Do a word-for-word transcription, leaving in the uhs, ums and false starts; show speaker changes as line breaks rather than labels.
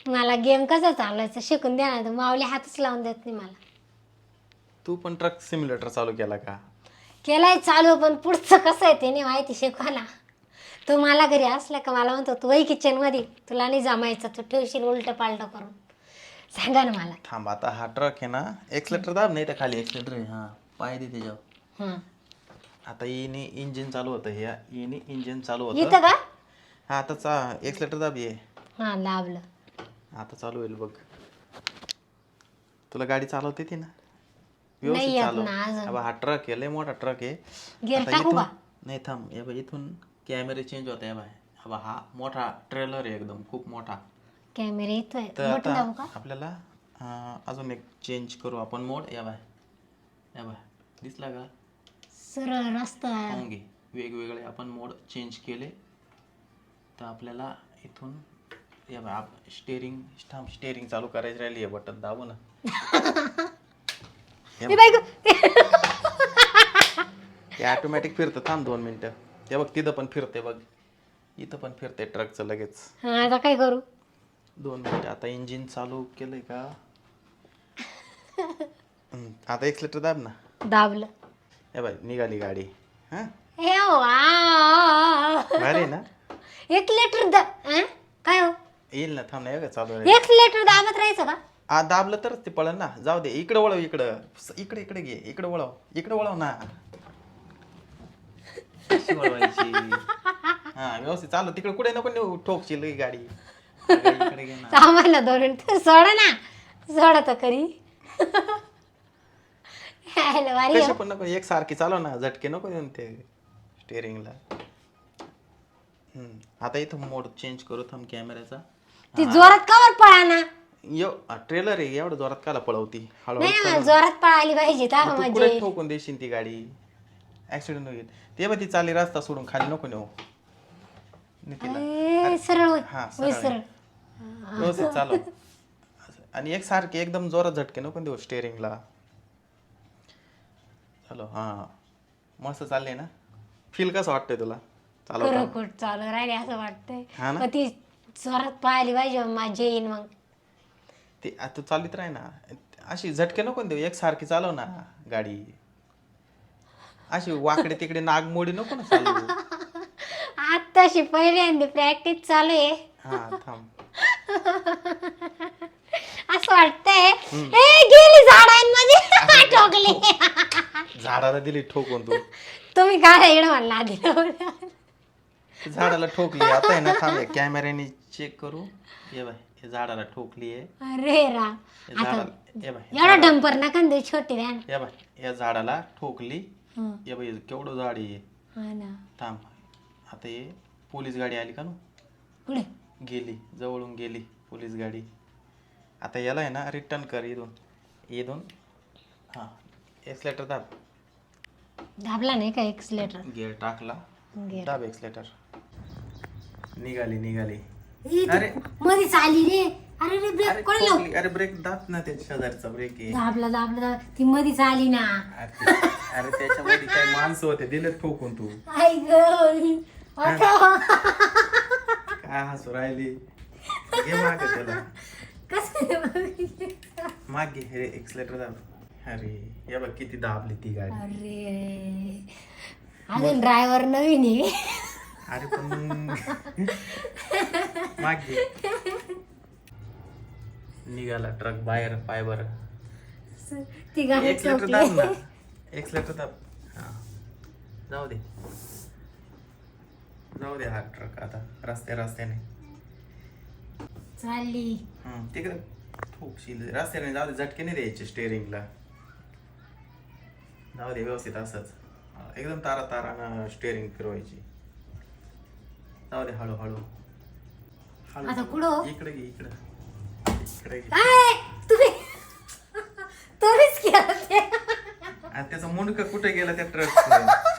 मला गेम कसा चालवायचा शिकून द्या ना. माऊली हातच लावून देत नाही मला.
तू पण ट्रक सिम्युलेटर चालू केला का?
केलाय चालू, पण पुढचं कसं आहे ते नाही माहिती. शिकवा ना. तो मला घरी असला का मला म्हणतो तू वही किचन मध्ये, तुला नाही जमायचं, तू ठेवशील उलट पालट करून. सांगा ना मला.
थांब आता हा ट्रक आहे ना, एक्सलेटर दाब, नाही तर खाली एक्सलेटर आहे हा, पाय दे त्याच्यावर.
हं.
आता येणे इंजिन चालू होतं, हे येणे इंजिन चालू होतं.
इथं का?
हा आता चा एक्सलेटर दाब ये.
हा दाबलं.
आता चालू होईल बघ. तुला गाडी चालवता येते ना?
नाही
व्यवस्थित
येत
चालव.
ना अजून.
अब हा ट्रक आहे, लय मोठा ट्रक आहे.
गेअर
आता
टाकू
इथून
का?
नाही थांब, हे बघ इथून कॅमेरे चेंज होते बाय. अब हा मोठा ट्रेलर आहे एकदम खूप मोठा.
कॅमेरा येतोय.
तर
बटन दाबू
आता
का?
आपल्याला अं, अजून एक चेंज करू आपण मोड. या बाय, या बाय, दिसला का?
सरळ रस्ता.
पाहून घे, वेगवेगळे आपण मोड चेंज केले. तर आपल्याला इथून या बाय स्टेअरिंग थांब, स्टेअरिंग चालू करायची राहिली आहे, बटन दाबू ना.
ए बाई गं.
ते ऑटोमॅटिक फिरतं. थांब दोन मिनिटं. ते बघ तिथं पण फिरते बघ, इथं पण फिरते ट्रकचं लगेच.
हा आता काय करू?
दोन मिनिटं. आता इंजिन चालू केलंय का? हम्म, आता एक्सलेटर दाब ना.
दाबलं.
हे बाय निघाली गाडी. हा
हे वा.
भारी आहे ना?
एक लिटर दा अं? काय हो?
येईल ना, थांब नाही का चालू.
एक लिटर दाबत राहायचं का?
आ दाबलं तरच ते पळन ना. जाऊ दे, इकडे वळव, इकडं इकडे इकडे घे, इकडे वळव, इकडे वळव ना. कशी वळवायची? हा व्यवस्थित चालू. तिकडे कुठे नको नेऊ, ठोकशील ही गाडी. अगं, इकडे घे ना.
आम्हाला दोन मिनिटं सोडा ना. सोडा तर खरी. हॅलो वारी
कशी पण नको, एक सारखी चालव ना, झटके नको देऊन ते स्टेअरिंगला. हम्म, आता इथं मोड चेंज करू. थांब कॅमेऱ्याचा.
ती जोरात कवर पळा ना.
यो ट्रेलर आहे, एवढं जोरात काला पळवती?
नाही
हळूहळू
ना,
चालव.
जोरात पळाली पाहिजे तर
मग तू
म्हणजे.
कुठे ठोकून देशील ती गाडी, ऍक्सिडेंट होईल. ते बघ ती चालली रस्ता सोडून खाली नको नेऊ. नी तिला.
ए, सरळ होय.
हा
होय
सरळ
सरळ.
आहे. व्यवस्थित चालव. आणि एक सारखे एकदम जोरात झटके नको देऊ स्टेअरिंगला. चालो. हा मस्त चालले ना. फील कसं वाटतंय तुला चालवताना?
कुठ चालू राहिले असं वाटतंय.
हा ना?
मग ती जोरात पळाली पाहिजे, माझे येईन मग.
ते आ, तू चालित राह ना. अशी झटके नको देऊ, एक सारखी चालव ना गाडी. अशी वाकडे तिकडे नागमोडी नको ना चालू.
आत्ताशी पहिल्यांदा प्रॅक्टिस चालू आहे.
हा थांब.
असं वाटतंय ए गेली झाडांमध्ये ठोकली.
झाडाला दिली ठोकून तू.
तुम्ही काय इकडे म्हणला आधी.
झाडाला ठोकली. आता आहे ना, थांब कॅमेऱ्याने चेक करू. ये बाय, हे झाडाला ठोकली आहे.
अरे रा.
हे झाडाला ये बाय,
एवढा डंपर नका देऊ, छोटी व्हॅन.
ये बाय, या झाडाला ठोकली. ये बाय केवढं झाड आहे.
हा ना.
थांब. आता ये पोलीस गाडी आली का ना,
पुढे
गेली, जवळून गेली पोलीस गाडी. आता याला आहे ना रिटर्न कर इथून, इथून. हा एक्सलेटर दाब.
दाबला नाही का एक्सलेटर?
गिअर टाकला,
गेला.
दाब एक्सलेटर. निघाली निघाली.
अरे
अरे
मध्येच आली रे. अरे रे
अरे
ब्रेक कोण लाव.
ठोकली. अरे ब्रेक दाब ना, त्या शेजारचा ब्रेक आहे.
दाबला दाबला दाब. ती मध्येच आली ना.
अरे अरे त्याच्यामध्ये काही माणसं होते, दिले ठोकून तू.
आई ग.
काय हसू राहिली? घे माग त्याला,
कसं.
माग घे. हे एक्सलेटर दाब. अरे या बघ किती दाबली ती गाडी.
अरे अजून ड्रायव्हर नवीन आहे.
अरे पण माग घे. निघाला ट्रक बाहेर. पाय बर.
ती गाडी
एक्सलेटर
चोपली.
दाब ना, एक्सलेटर दाब. हा जाऊ दे, जाऊ दे हा ट्रक आता रस्त्या रस्त्याने
चालली.
हम्म तिकडे ठोकशील रस्त्याने. जाऊ दे, झटके नाही द्यायचे स्टेअरिंगला. जाऊ दे व्यवस्थित असंच एकदम तारा तारानं स्टेअरिंग फिरवायची. जाऊ दे हळूहळू हळू.
आता कुठं?
इकडे घे, इकडे इकडे घे.
काय तुम्ही तुम्हीच केलं ते.
आणि त्याचा मुंडका कुठे गेला त्या ट्रक?